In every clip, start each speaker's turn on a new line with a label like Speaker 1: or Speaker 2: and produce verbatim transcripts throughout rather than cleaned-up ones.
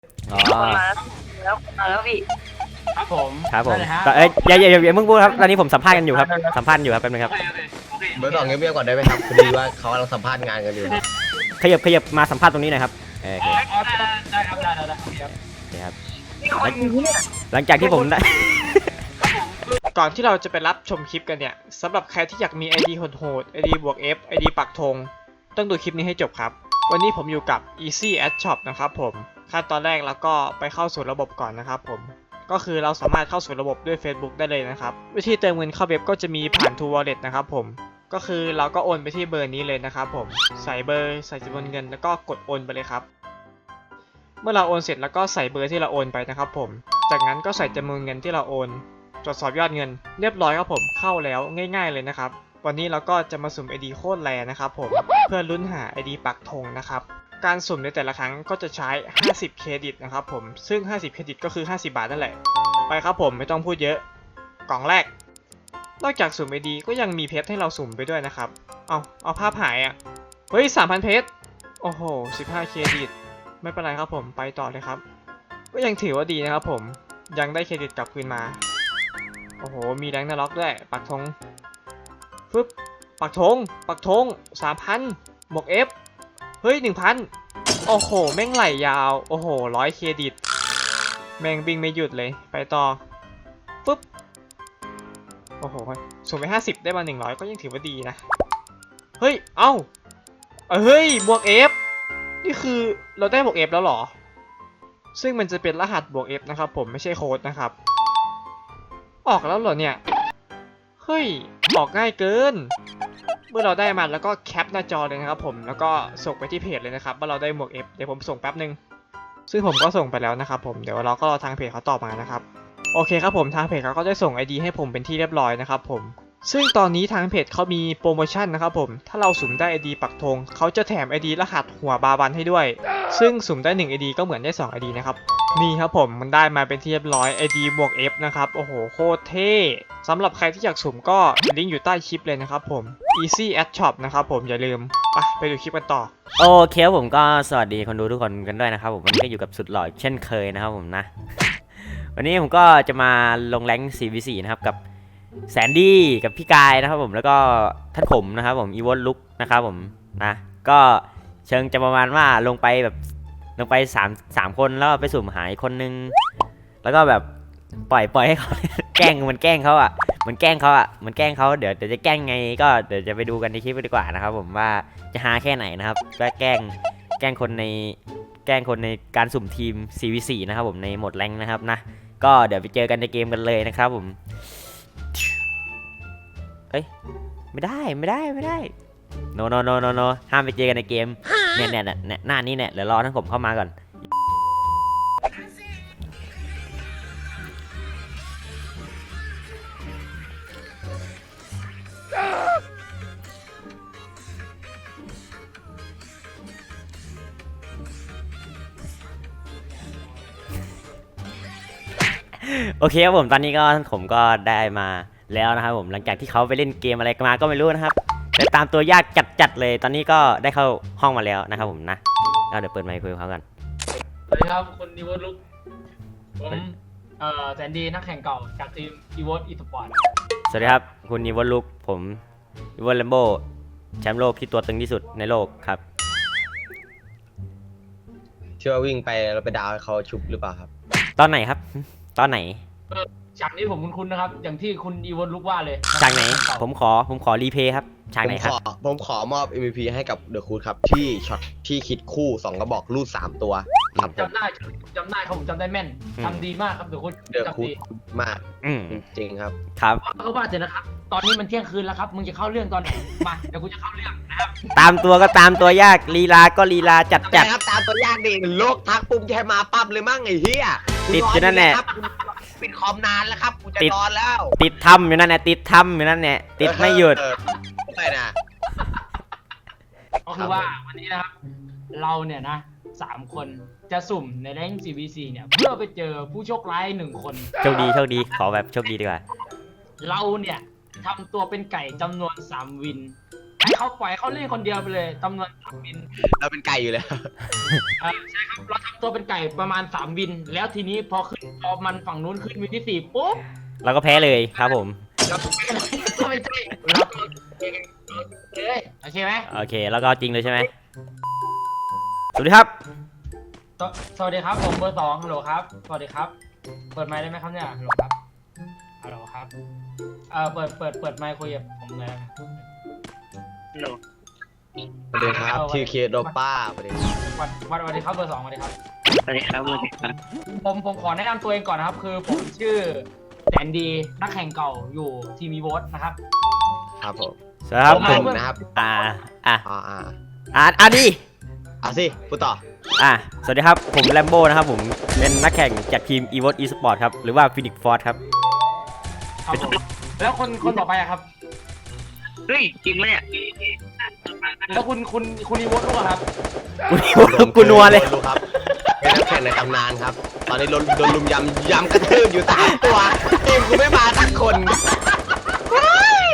Speaker 1: อ๋อ
Speaker 2: คนมาแล้วมาแล้วพี่
Speaker 3: ครับผม
Speaker 1: ครับผม
Speaker 3: ได้เลยฮะ
Speaker 1: แต่เอ้ยอย่าอย่าอย่าอย่าเพิ่งพูดครับตอนนี้ผมสัมภาษณ์กันอยู่ครับสัมภาษณ์อยู่ครับแป๊บนึงครับ
Speaker 3: โอเคโอเคโอเค
Speaker 4: เบอร์สองเงียบๆก่อนได้ไหมครับพอดีว่าเขากำลังสัมภาษณ์งานกันอยู่
Speaker 1: ขยับขยับมาสัมภาษณ์ตรงนี้หน่อยครับเออโอเค
Speaker 3: อ๋อได้ได้ครับได้ได้ได้โอเคครับ
Speaker 1: โอเคครับ
Speaker 2: นี่คนนี้เนี่ย
Speaker 1: หลังจากที่ผมได้
Speaker 5: ก่อนที่เราจะไปรับชมคลิปกันเนี่ยสำหรับใครที่อยากมี ไอ ดี โหดๆ ไอ ดี บวก F ไอ ดี ปักธงต้องดูคลิปนี้ให้จบครับ วันนี้ผมอยู่กับ Easy Ad Shop นะครับผมขั้นตอนแรกแล้วก็ไปเข้าสู่ระบบก่อนนะครับผมก็คือเราสามารถเข้าสู่ระบบด้วย Facebook ได้เลยนะครับวิธีเติมเงินเข้าเว็บก็จะมีผ่าน True Wallet นะครับผมก็คือเราก็โอนไปที่เบอร์นี้เลยนะครับผมใส่เบอร์ใส่จำนวนเงินแล้วก็กดโอนไปเลยครับเมื่อเราโอนเสร็จแล้วก็ใส่เบอร์ที่เราโอนไปนะครับผมจากนั้นก็ใส่จำนวนเงินที่เราโอนตรวจสอบยอดเงินเรียบร้อยครับผมเข้าแล้วง่ายๆเลยนะครับวันนี้เราก็จะมาสุ่ม ไอ ดี โคตรแรนะครับผมเพื่อลุ้นหา ไอ ดี ปักธงนะครับการสุ่มในแต่ละครั้งก็จะใช้ห้าสิบเครดิตนะครับผมซึ่งห้าสิบเครดิตก็คือห้าสิบบาทนั่นแหละไปครับผมไม่ต้องพูดเยอะกล่องแรกนอกจากสุ่ม ไอ ดี ก็ยังมีเพชรให้เราสุ่มไปด้วยนะครับเอาเอาภาพหายอ่ะเฮ้ย สามพัน เพชรโอ้โหสิบห้าเครดิตไม่เป็นไรครับผมไปต่อเลยครับก็ยังถือว่าดีนะครับผมยังได้เครดิตกลับคืนมาโอ้โหมีแรงนล็อกด้วยปักธงฟึบปักธงปักธงสามพันบวก F เฮ้ย หนึ่งพัน โอ้โหแม่งไหลยาวโอ้โหร้อยเครดิตแม่งวิ่งไม่หยุดเลยไปต่อฟึบโอ้โหสุ่มไปห้าสิบได้มาหนึ่งร้อยก็ยังถือว่าดีนะเฮ้ยเอ้าเฮ้ยบวก F นี่คือเราได้บวก F แล้วเหรอซึ่งมันจะเป็นรหัสบวก F นะครับผมไม่ใช่โค้ดนะครับออกแล้วเหรอเนี่ยเฮ้ยออกง่ายเกินเมื่อเราได้มันแล้วก็แคปหน้าจอเลยนะครับผมแล้วก็ส่งไปที่เพจเลยนะครับว่าเราได้หมวก F เดี๋ยวผมส่งแป๊บนึงซึ่งผมก็ส่งไปแล้วนะครับผมเดี๋ยวเราก็รอทางเพจเขาตอบมานะครับโอเคครับผมทางเพจเขาก็ได้ส่ง ไอ ดี ให้ผมเป็นที่เรียบร้อยนะครับผมซึ่งตอนนี้ทางเพจเขามีโปรโมชั่นนะครับผมถ้าเราสุ่มได้ ไอ ดี ปักธงเขาจะแถม ไอ ดี รหัสหัวบาบันให้ด้วยซึ่งสุ่มได้หนึ่ง ไอ ดี ก็เหมือนได้สอง ไอ ดี นะครับนี่ครับผมมันได้มาเป็นที่เรียบร้อย ไอ ดี บวก F นะครับโอ้โหโคตรเท่สำหรับใครที่อยากสุ่มก็ลิงก์อยู่ใต้คลิปเลยนะครับผม Easy Ad Shop นะครับผมอย่าลืมไปไปดูคลิปกันต่อ
Speaker 1: โอเคครับผมก็สวัสดีคนดูทุกคนกันด้วยนะครับผมวันนี้ก็อยู่กับสุดหล่อเช่นเคยนะครับผมนะ วันนี้ผมก็จะมาลงแรงค์ สี่ วี สี่ นะครับกับแสนดี้กับพี่กายนะครับผมแล้วก็ท่านขมนะครับผมอีวอนลุกนะครับผมนะก็เชิงจะประมาณว่าลงไปแบบลงไปสามสามคนแล้วไปสุ่มหายคนนึงแล้วก็แบบปล่อยปล่อยให้เขา แกล้งมันแกล้งเขาอ่ะมันแกล้งเขาอ่ะมันแกล้งเขาเดี๋ยวเดี๋ยวจะแกล้งไงก็เดี๋ยวจะไปดูกันในคลิปดีกว่านะครับผมว่าจะฮาแค่ไหนนะครับว่าแกล้งแกล้งคนในแกล้งคนในการสุ่มทีม สี่ วี สี่ นะครับผมในโหมดแรงค์นะครับนะก็เดี๋ยวไปเจอกันในเกมกันเลยนะครับผมเอ้ยไม่ได้ไม่ได้ไม่ได้ no no no no no ห้ามไปเจอกันในเกมเนี่ยเนี่ยเนี่ยหน้านี้เนี่ยเดี๋ยวรอทั้งผมเข้ามาก่อนโอเคครับผมตอนนี้ก็ผมก็ได้มาแล้วนะครับผมหลังจากที่เขาไปเล่นเกมอะไรกันมาก็ไม่รู้นะครับแต่ตามตัวยากจัดๆเลยตอนนี้ก็ได้เข้าห้องมาแล้วนะครับผมนะก็เดี๋ยวเปิดไมค์คุยกับเขากัน
Speaker 3: สวัสดีครับคุณอีวอนลุกผมเอ่อแซนดี้นักแข่งเก่าจากทีมอีวอนอีสปอร์ต
Speaker 1: สวัสดีครับคุณอีวอนลุกผมอีวอนแลมโบแชมป์โลกที่ตัวตึงที่สุดในโลกครับ
Speaker 4: เชื่อว่าวิ่งไปแล้วไปดาวให้เขาชุบหรือเปล่าครับ
Speaker 1: ตอนไหนครับตอนไหน
Speaker 3: ฉากนี้ผมคุ้นๆนะครับอย่างที่คุณอีวอนลุกว่าเลย
Speaker 1: ฉากไหนผมขอผมขอรีเพย์ครับฉากไหนครับ
Speaker 4: ผมขอผมขอมอบ เอ็ม วี พี ให้กับเดอะคูดครับที่ช็อตที่คิดคู่สองกระบอกรูดสามตัวครับผม
Speaker 3: จำได้จำได้ครับผมจำได้แม่น
Speaker 1: อืม
Speaker 3: ทำดีมากครับเดี๋ยวคุณ
Speaker 4: เดอะ
Speaker 3: จำ
Speaker 4: คูด
Speaker 3: ดี
Speaker 4: มาก
Speaker 1: อืม
Speaker 4: จริงๆครับ
Speaker 1: ครับ
Speaker 3: เขาว่าเสร็จนะครับตอนนี้มันเที่ยงคืนแล้วครับมึงจะเข้าเรื่องตอนไหนมาเดี๋ยวกูจะเข้าเรื่องนะครับ
Speaker 1: ตามตัวก็ตามตัวยากลีลาก็ลีลาจัดจัด
Speaker 4: ครับตามตัวยากดิโลกทักปุ่มแค่มาปั๊บเลยมั่งไอ้เหี้ย
Speaker 1: ติดอยู่นั่นแหละ
Speaker 4: ปิดคอมนานแล้วครับกูจะ
Speaker 1: ติด
Speaker 4: นอนแล้ว
Speaker 1: ติดทำอยู่นั่นแหละติดทำอยู่นั่นแหละติดไม่หยุด
Speaker 4: เออไปนะ
Speaker 3: ก็คือว่าวันนี้นะครับเราเนี่ยนะสามคนจะสุ่มในแรง สี่ วี สี่ เนี่ยเพื่อไปเจอผู้โชคร้ายหนึ่งคน
Speaker 1: โชคดีโชคดีขอแบบโชคดีดีกว่า
Speaker 3: เราเนี่ยทำตัวเป็นไก่จำนวนสามวินให้เขาปล่อยเขาเล่นคนเดียวไปเลยจำนวนสามวิน
Speaker 4: เราเป็นไก่อยู่แล้ว
Speaker 3: เออใช่ครับเราทำตัวเป็นไก่ประมาณสามวิน แล้วทีนี้พอขึ้นพอมันฝั่งนู้นขึ้นวินที่สี่ปุ๊บ
Speaker 1: เราก็แพ้เลยครับผม
Speaker 3: เราก็ไม่ใช่เราก็เลยโอเคไหม
Speaker 1: โอเคแล้วก็จริงเลยใช่ไหมสวัสดีครับ
Speaker 3: สวสวัสดีครับผมเบอร์สองฮัลโหลครับสวัสดีครับ เปิดไมค์ได้ไหมครับเนี่ยฮัลโหลครับฮัลโหลครับเออเปิดเปิดเปิดไมค์คุยกับผมเลยนะฮัลโหล
Speaker 4: สวัสดีครับทีเคโดป้าสวัสดีครับ
Speaker 3: วันวันสวัสดีครับเบอร์สองสวัสดีครับ
Speaker 2: สวัสดีครับสวัสดีครับ
Speaker 3: ผมผมขอแนะนำตัวเองก่อนนะครับ คือผมชื่อแสนดีนักแข่งเก่าอยู่ทีมีโวตนะครับ
Speaker 4: ครับผม
Speaker 1: สวัสดีครับ
Speaker 3: ผม
Speaker 1: ผม
Speaker 3: เพื่อน
Speaker 4: นะครับ
Speaker 1: อ่าอ่า
Speaker 4: อ่าอ่า
Speaker 1: อ่าอ่าดี
Speaker 4: อ่ะสิพูดต่อ
Speaker 1: อ่าสวัสดีครับผมแลมโบ้นะครับผมเป็นนักแข่งจากทีม e v o t eSport ครับหรือว่า Phoenix Force ครับ
Speaker 3: ครับผมแล้วคนคนต่อไปอะครับ
Speaker 2: เฮ้ยจริงไหมเนี่ย
Speaker 3: แล้วคุณคุณคุณอีโวตรู้อะครับ
Speaker 1: กูกูนัวเลย
Speaker 4: โดนรู้ครับเป็นนักแข่งในตำนานครับ ตอนนี้โดนโดนลุมยำยำกระทืบอยู่สามตัวทีมกูไม่มาสักคนเฮ้ย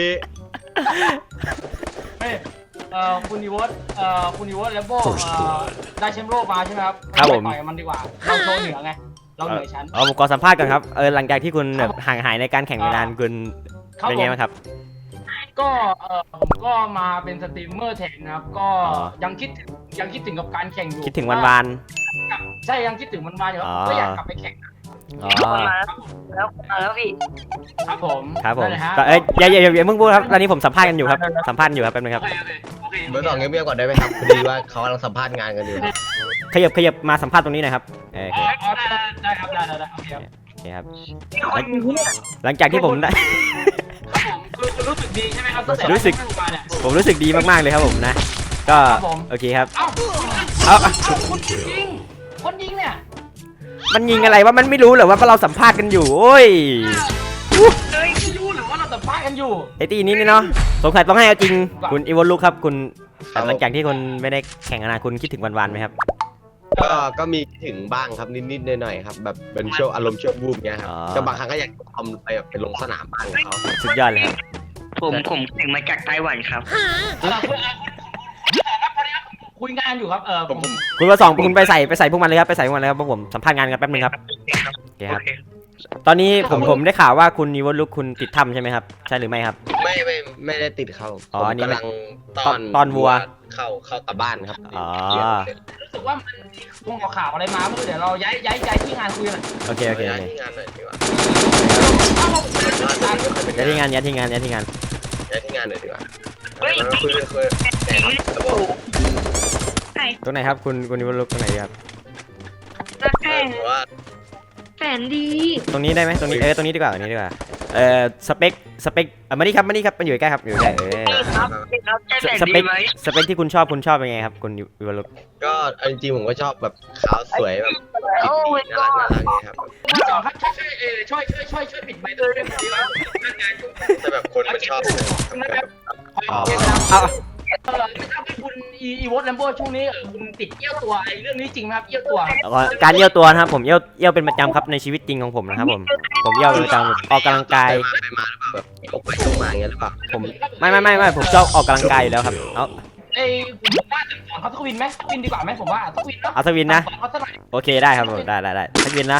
Speaker 3: เฮ้ยเอ่อคุณอีโวตเอ่อคุณอีโวตแลมโบ้เอ่อได้แชมป์โลกมาใช่ไหมครับ
Speaker 1: ครับผม
Speaker 3: ไปต่อยกับมันดีกว่าเราโชว์เหนือไงเราเหนือชั้น
Speaker 1: เอาผมขอสัมภาษณ์ก่อนครับเออหลังจากที่คุณแบบห่างหายในการแข่งไปนานคุณ
Speaker 3: ครับ
Speaker 1: เป็น
Speaker 3: ผ
Speaker 1: ไง
Speaker 3: ม
Speaker 1: บ้างครับ
Speaker 3: ก็เออผมก็มาเป็นสตรีมเมอร์แทนนะครับ ก็
Speaker 1: อ๋อ
Speaker 3: ยังคิดถึงยังคิดถึงกับการแข่งอยู่
Speaker 1: คิดถึงวันวาน
Speaker 3: ใช่ยังคิดถึงวันวานอยู่ครับ
Speaker 1: อ๋อ
Speaker 3: ก็อยากกลับไปแข่ง
Speaker 1: อ๋อ
Speaker 2: คนมาแล้วแล้วมาแล้วพี่
Speaker 3: ครับผม
Speaker 1: ครับผม
Speaker 3: นั่นแหละฮะ
Speaker 1: ก็เอ้ยอย่าอย่าอย่าอย่าเพิ่งพูดครับตอนนี้ผมสัมภาษณ์กันอยู่ครับสัมภาษณ์อยู่ครับแป๊บนึง
Speaker 3: โอ
Speaker 1: ครับ
Speaker 3: เคโอเคโอเค
Speaker 4: เบอร์สองเงียบๆก่อนได้ไหมครับพอดีว่าเขากำลังสัมภาษณ์งานกันอยู่
Speaker 1: ขยับขยับมาสัมภาษณ์ตรงนี้หน่อยครับเออโอเค
Speaker 3: อ๋อได้ได้ได้ครับได้ได้ได้โอเคครับ
Speaker 1: โอเคครับ
Speaker 2: คนเนี่ย
Speaker 1: หลังจากที่ผมได้
Speaker 3: ครับผมคือคือรู้สึกดีใช่ไหมครับตั้งแต่
Speaker 1: รู้สึก
Speaker 3: ได้เข้ามาเนี่ย
Speaker 1: ผมรู้สึกดีมากๆเลยครับผมนะ ก็
Speaker 3: ครับผม
Speaker 1: โอเคครับ
Speaker 3: เอ้า
Speaker 1: เอา
Speaker 3: เอ้าคนยิงคนยิงเนี่ย
Speaker 1: มันยิงอะไรวะมันไม่รู้เหรอว่าเราสัมภาษณ์กันอยู่โอ้ย
Speaker 3: เอ้ยไม่รู้หรือว่าเราสัมภาษณ์กันอยู่
Speaker 1: ไอตีนี้นี่เนาะสงสัยต้องให้เอาจริงคุณอีวอนลูกครับคุณ
Speaker 4: ครับ
Speaker 1: หลังจากที่คุณไม่ได้แข่งนานคุณคิดถึงวันๆไหมครับ
Speaker 4: ก็ก็มีถึงบ้างครับนิดๆหน่อยๆครับแบบเป็นช่วงอารมณ์ช่วงวูบเงี้ยครับ
Speaker 1: อ๋อ
Speaker 4: ก็บางครั้งก็อยากทำไปแบบไปลงสนามบ้างกับเขา
Speaker 1: สุดยอดเลยครับ
Speaker 2: ผมผมแข่งมาจากไต้หวันครับ
Speaker 3: เออคุณครับพอดีครับคุยงานอยู่ครับเออ
Speaker 4: ผ
Speaker 3: ผม ม
Speaker 1: คุณประสองคุณไปใส่ไปใส่พวกมันเลยครับไปใส่พวกมันเลยครับเพราะผมสัมภาษณ์งานกันแป๊บนึงครับโอเคครับ ตอนนี้ผมผมได้ข่าวว่าคุณอีวอนลูกคุณติดถ้ำใช่ไหมครับใช่หรือไม่ครับ
Speaker 4: ไม่ไม่ไม่ได้ติดเขา
Speaker 1: อ๋อ
Speaker 4: ผม
Speaker 1: อันนี้
Speaker 4: กำลังต
Speaker 1: ต
Speaker 4: อ
Speaker 1: อน นตอนวัว
Speaker 4: เข้าเข้ากลับบ้านครับ
Speaker 1: อ๋อ
Speaker 3: รู้สึกว่ามันคงเอาข่าวอะไรมาเมื่อเดี๋ยวเราย้ายย้ายย้ายที่งานคุยกันหน่อย
Speaker 1: โอเคโอเคโอเค
Speaker 4: ที่งานหน่อยดีกว่า
Speaker 3: เอ้าผมเป็นอาจารย์
Speaker 1: ย้ายที่งานย้ายที่งานย้ายที่งาน
Speaker 4: ย้ายที่งานหน่อยดีกว่า
Speaker 2: เฮ้ย
Speaker 4: แล้วคุยคุยแต่ครับระบบ
Speaker 2: ใช่
Speaker 1: ตรงไหนครับคุณคุณอีวอนลูกตรงไหนดีครับ
Speaker 2: นัก
Speaker 4: เอ
Speaker 2: แข่
Speaker 4: อง ถือว่า
Speaker 2: แสนดี
Speaker 1: ตรงนี้ได้ไหมตรงนี้เออตรงนี้ดีกว่าตรงนี้ดีกว่าเออสเปคสเปคเออมานี่ครับมานี่ครับมันอยู่ใกล้ครับอยู่ใกล้เออ
Speaker 2: ครับครับใช่
Speaker 1: ส
Speaker 2: แสน
Speaker 1: ส
Speaker 2: ดี
Speaker 1: เปค
Speaker 2: ไหม
Speaker 1: สเปคที่คุณชอบคุณชอบเป็นไงครับคุณอีวอนลูก
Speaker 4: ก็เอาจริงๆผมก็ชอบแบบขาวสวยแบบ
Speaker 2: โอ้ย
Speaker 4: น่า
Speaker 2: ก็
Speaker 4: รักน่ารักอย่างเงี้ยครับ
Speaker 3: คุณสองครับช่วยช่วยเออช่วยช่วยช่วยช่วยปิดไมค์ด้วยด้วยดีแล้วงานอยู่
Speaker 4: แต่แบบคนมันชอบแบบ
Speaker 1: อ๋อ
Speaker 3: เอ
Speaker 1: เอา
Speaker 3: อไม่ทราบว่าคุณอีอีวอตแลมโบ้ช่วงนี้เออคุณติดเอี้ยวตัวไอ้เรื่องนี้จริงไหมครับเอี้ยวตัว
Speaker 1: เอาเอาการเยี่ยวตัวนะครับผมเยี่ยวเยี่ยวเป็นประจำครับในชีวิตจริงของผมนะครับผมผมเยี่ยวเป็นประจำออกกำลังกาย
Speaker 4: ไปมาไปมาหรือเปล่าแบบยกไปยกมาอย่างเงี้ยหรือเปล่า
Speaker 1: ผมไม่ไม่ไม่ไม่ผมชอบออกกำลังกายอยู่แล้วครับเอา
Speaker 3: ไอ้ผมว่าจะสอนเขาทักวินไหมทักวินดีกว่าไหมผมว่าทักวินเนาะ
Speaker 1: เอาทวินนะ
Speaker 3: สอนเขาสักหน่อย
Speaker 1: โอเคได้ครับผมได้ได้ได้ทวินนะ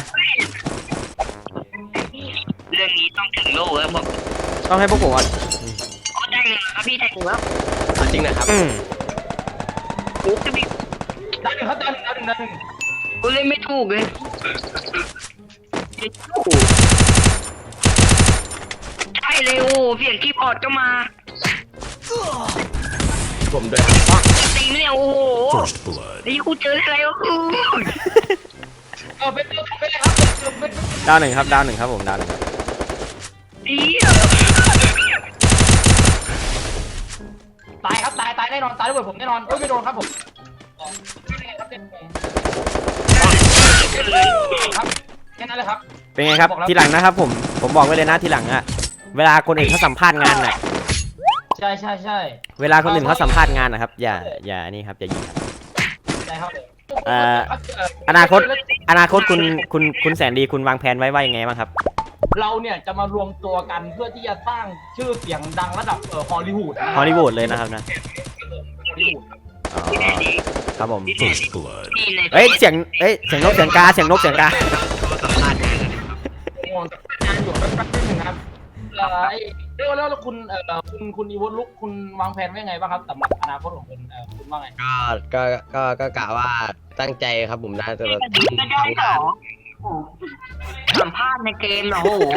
Speaker 2: เรื่องนี้ต้องถึงโลกแล้วบอก
Speaker 1: ต้องให้พวกผมอ่ะ
Speaker 2: อ๋อได้เลยครับพี่ได้เลยครับ
Speaker 4: เอาจริงนะครับ
Speaker 1: อืม
Speaker 2: โอ้จะมี
Speaker 3: ดาวหนึ่งครับดาวหนึ่งดาวหนึ่งดาวหนึ่ง
Speaker 2: กูเล่นไม่ถูกเลยใช่เลยโอ้เสียงคีย์บอร์ดก็มา
Speaker 4: ผมด้วยครับ
Speaker 2: ตีไม่เนี่ยโอ้โหนี่กูเจออะไรวะกู
Speaker 3: เออเป็นเป็นเป็นอะไรครับเป็นเป็น
Speaker 1: ดาวหนึ่งครับดาวหนึ่งครับผมดาวหนึ่งครับ
Speaker 2: ดี
Speaker 3: ตายครับตายตายแน่นอนตายด้วยผมแน่นอนเอ้ยไม่โดนครับผมครับแค่นั้นเลยครับ
Speaker 1: เป็นไงครับทีหลังนะครับผมผมบอกไว้เลยนะทีหลังอะเวลาคนอื่นเขาสัมภาษณ์งานน่ะ
Speaker 3: ใช่ใช่ใช่
Speaker 1: เวลาคนอื่นเขาสัมภาษณ์งานนะครับอย่าอย่านี่ครับอย่ายิงครับ
Speaker 3: ใช่ครับ
Speaker 1: เอ่ออนาคต อนาคตคุณคุณคุณแสนดีคุณวางแผนไว้ว่ายังไงบ้างครับ
Speaker 3: เราเนี่ยจะมารวมตัวกันเพื่อที่จะสร้างชื่อเสียงดังระดับเอ่อฮอลลีวูดนะ
Speaker 1: ฮอลลีวูดเลยนะครับนะ
Speaker 3: ฮอลลีวูด
Speaker 1: อ๋อ
Speaker 2: ที่ไหนดี
Speaker 1: ครับผม
Speaker 2: ที่ไหนดีที่ใน
Speaker 1: เอ้ยเสียงเอ้ยเสียงนกเสียงกาเสียงนกเสียงกา
Speaker 4: สัมภาษณ์งานกัน
Speaker 3: งงงานอยู่แป๊บๆนึงนะครับเอ่อไอ้เรียกว่าแล้วคุณเอ่อคุณคุณอีวอนลุกคุณวางแผนไว้ไงบ้างครับสำหรับอนาคตของคุณเอ่อคุณว่าไง
Speaker 4: ก็ก็ก็ก็กะว่าตั้งใจครับผมนะจะ
Speaker 2: ก็ดีก็ได้เหรอโอ้โหสัมภาษณ์ในเกมเหรอโอ้โห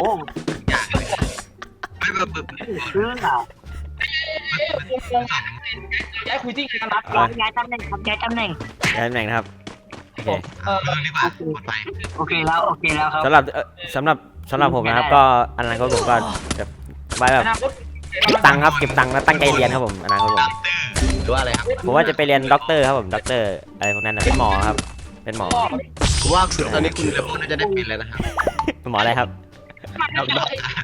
Speaker 4: ไม่แบบแบบ
Speaker 2: เรื่องเหรอ
Speaker 3: เอ๊ะงงๆย้ายคุยที่งานนัด
Speaker 2: ย้ายย้ายตำแหน่งครับย้ายตำแหน่ง
Speaker 1: ย้ายตำแหน่งนะครับโอเค
Speaker 3: เอ่อ
Speaker 4: เออดีกว่าปลอดภัย
Speaker 2: โอเคแล้วโอเคแล้วครับ
Speaker 1: สำหรับเอ่อสำหรับสำหรับผมนะครับก็อนาคตผมก็จะไว้แบบ
Speaker 3: อนาคต
Speaker 1: เก็บตังค์ครับเก็บตังค์แล้วตั้งใจเรียนครับผมอนาคตผม
Speaker 4: หรือว่าอะไรครับ
Speaker 1: ผมว่าจะไปเรียนด็อกเตอร์ครับผมด็อกเตอร์อะไรพวกนั้นนะเป็นหมอครับเป็นหมอ
Speaker 4: ผมว่าตอนนี้คุณจะพูดน่าจะได้เป็นแล้วนะครับ
Speaker 1: เป็นหมออะไรครับ
Speaker 4: ด็อกด็อก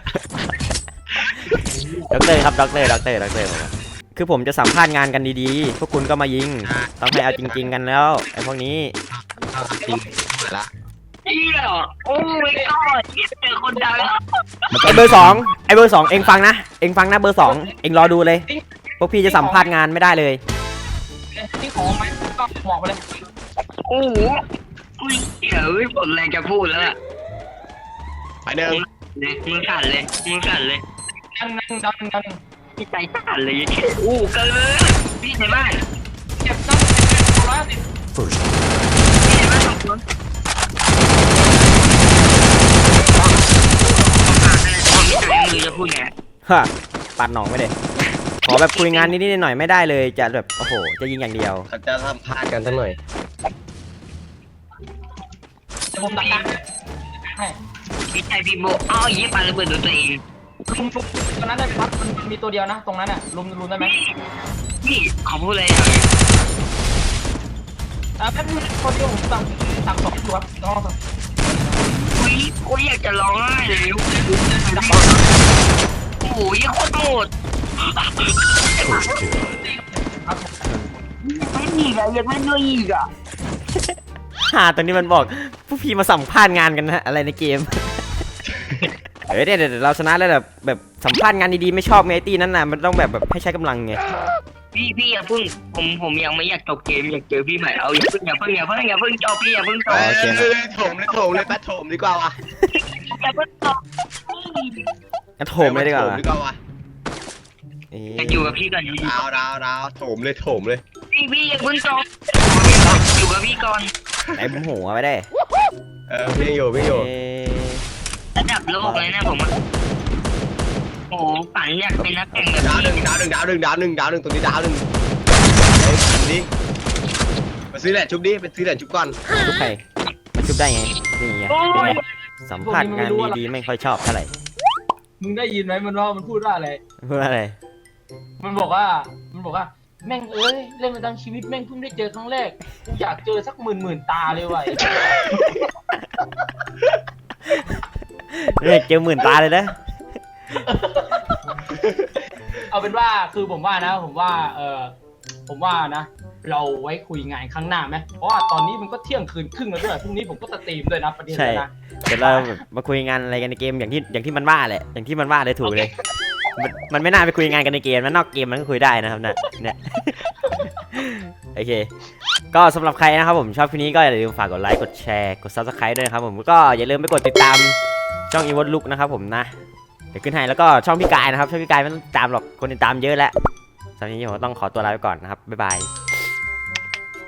Speaker 1: ด็อกเตอร์ครับด็อกเตอร์ด็อกเตอร์ด็อกเตอร์ผมอะคือผมจะสัมภาษณ์งานกันดีๆ พวกคุณก็มายิง ต้องให้เอาจริง ๆ กันแล้วไอ้พวกนี้
Speaker 4: เอาจริงหมดละ
Speaker 2: เฮียโอ้ยก็เจอคนดังแล้ว
Speaker 1: ไอ้เบอร์สองไอ้เบอร์สองเองฟังนะ เองฟังนะเบอร์สองเองรอดูเลย พวกพี่จะสัมภาษณ์งานไม่ได้เลย
Speaker 3: ที่ของไหมก็บอกไปเลย
Speaker 2: โอ้โหอุ้ยเดี๋ยวผมแรงจะพูดแล้วอะ
Speaker 4: ไปหนึ่ง
Speaker 2: เลยมึงสั่นเลยมึงสั่นเลย
Speaker 3: นั่งนั่งนั่งนั่ง
Speaker 2: พี่ใจสั่นเลยอู้เกินพี่ในบ้าน
Speaker 3: เก็บนั่งร้อยสิบ
Speaker 2: พี่ในบ้านสองคนมือจะพูดไง
Speaker 1: ฮะปัดหนองไม่ได้ขอแบบคุยงานนิดๆหน่อยๆไม่ได้เลยจะแบบโอ้โหจะยิงอย่างเดียว
Speaker 4: เขาจะสัมภาษณ์กันสักหน่อย
Speaker 3: ผมตัดการให้
Speaker 2: พี่ใจพี่โบอ้าวยี่ปาระเบิดโดนตัวเอง
Speaker 3: ลุมลุมตรงนั้นได้ไหมครับมันมีตัวเดียวนะตรงนั้นอ่ะลุมลุมได้ไหม
Speaker 2: พี่ขอพูดเลยอ่ะ
Speaker 3: อ่าแป๊บนึงคนเดียวผมสั่งสั่งสองตัวต้องลองสั่ง
Speaker 2: อุ้ยกูอยากจะร้องไห้เลยโอ้โหยี่โคตรโหด
Speaker 3: ครับ
Speaker 2: ไม่อีกอ่ะยังไม่ด้วยอีกอ่ะ
Speaker 1: ฮ่าตอนนี้มันบอกผู้พี่มาสัมภาษณ์งานกันนะอะไรในเกม เฮ้ยเดี๋ยวเดี๋ยวเราชนะแล้วแบบแบบสัมภาษณ์งานดีๆไม่ชอบไงไอ้ตีนั้นน่ะมันต้องแบบแบบให้ใช้กำลังไง
Speaker 2: พี่พี่อย่าเพิ่งผมผมยังไม่อยากจบเกมอยากเจอพี่ใหม่เอาอย่าเพิ่งอย่าเพิ่งอย่าเพิ่งอย่าเพิ่งจบพี่อย่าเพิ่งจ
Speaker 4: เฮ้
Speaker 2: บ
Speaker 4: ยเลยโถมเลยโถมเลยแป๊ดโถมดีกว่าวะ
Speaker 2: อย่าเพิ่งจบ
Speaker 1: งั้นโถมเลยดีกว่า
Speaker 4: โถมดีกว่าวะ
Speaker 1: เอ๊
Speaker 2: จะ
Speaker 1: ะ
Speaker 2: อยู่กับพี่ก่อนอยู่
Speaker 4: ดาวดาวดาวโถมเลยโถมเลย
Speaker 2: พี่พี่อย่าเพิ่งจบอยู่กับพี่ก่อน
Speaker 1: ไหนผมหัวไปได้
Speaker 4: เออพี่ยังอยู่พี่ยังอยู่
Speaker 1: เอ๊ะ
Speaker 2: ระดับโลกเลยนะผมอ่ะโอ้ฝันอยากเป็นนักแข่งแบบ
Speaker 4: ดาวหนึ่ง
Speaker 2: นี้
Speaker 4: ดาวหนึ่งดาวหนึ่งดาวหนึ่งดาวหนึ่งตรงนี้ดาวหนึ่งเฮ้ยชุบดิมาซื้อแหละชุบดิไปซื้อแหละชุบก่อน
Speaker 1: ชุบใครมาชุบได้ไงนี่ไง
Speaker 2: โอ้
Speaker 1: เป็น
Speaker 2: ย
Speaker 1: ไงสัมภาษณ์งานดีๆไม่ค่อยชอบเท่าไหร่
Speaker 3: มึงได้ยินไหมมันว่ามันพูดว่าอะไร
Speaker 1: เพื่ออะไร
Speaker 3: มันบอกว่ามันบอกว่าแม่งเอ้ยเล่นมาตั้งชีวิตแม่งเพิ่งได้เจอครั้งแรกกูอยากเจอสักหมื่นหมื่นตาเลยว่ะ
Speaker 1: เฮ้ยเจอหมื่นตาเลยนะ
Speaker 3: เอาเป็นว่าคือผมว่านะ ผมว่าเออผมว่านะ เราไว้คุยงานข้างหน้าไหมเพราะว่าตอนนี้มันก็เที่ยงคืนครึ่งแล้วด้วยพรุ่งนี้ผมก็สตรีมด้วยนะประเด็น
Speaker 1: ใช่
Speaker 3: เลยนะ
Speaker 1: เดี๋ยวเราแบบมาคุยงานอะไรกันในเกมอย่างที่อย่างที่มันว่าแหละอย่างที่มันว่าเลยถูกเลย มันมันไม่น่าไปคุยงานกันในเกมนะนอกเกมมันก็คุยได้นะครับเนี่ยเนี่ย โอเค ก็สำหรับใครนะครับผมชอบคลิปนี้ก็อย่าลืมฝากกดไลค์กดแชร์กด ซับสไครบ์ ด้วยนะครับผมก็อย่าลืมไปกดติดตามช่องอีวอนลุกนะครับผมนะเดี๋ยวขึ้นให้แล้วก็ช่องพี่กายนะครับช่องพี่กายไม่ต้องตามหรอกคนติดตามเยอะแล้วสำหรับวันนี้ผมต้องขอตัวลาไปก่อนนะครับบ๊ายบาย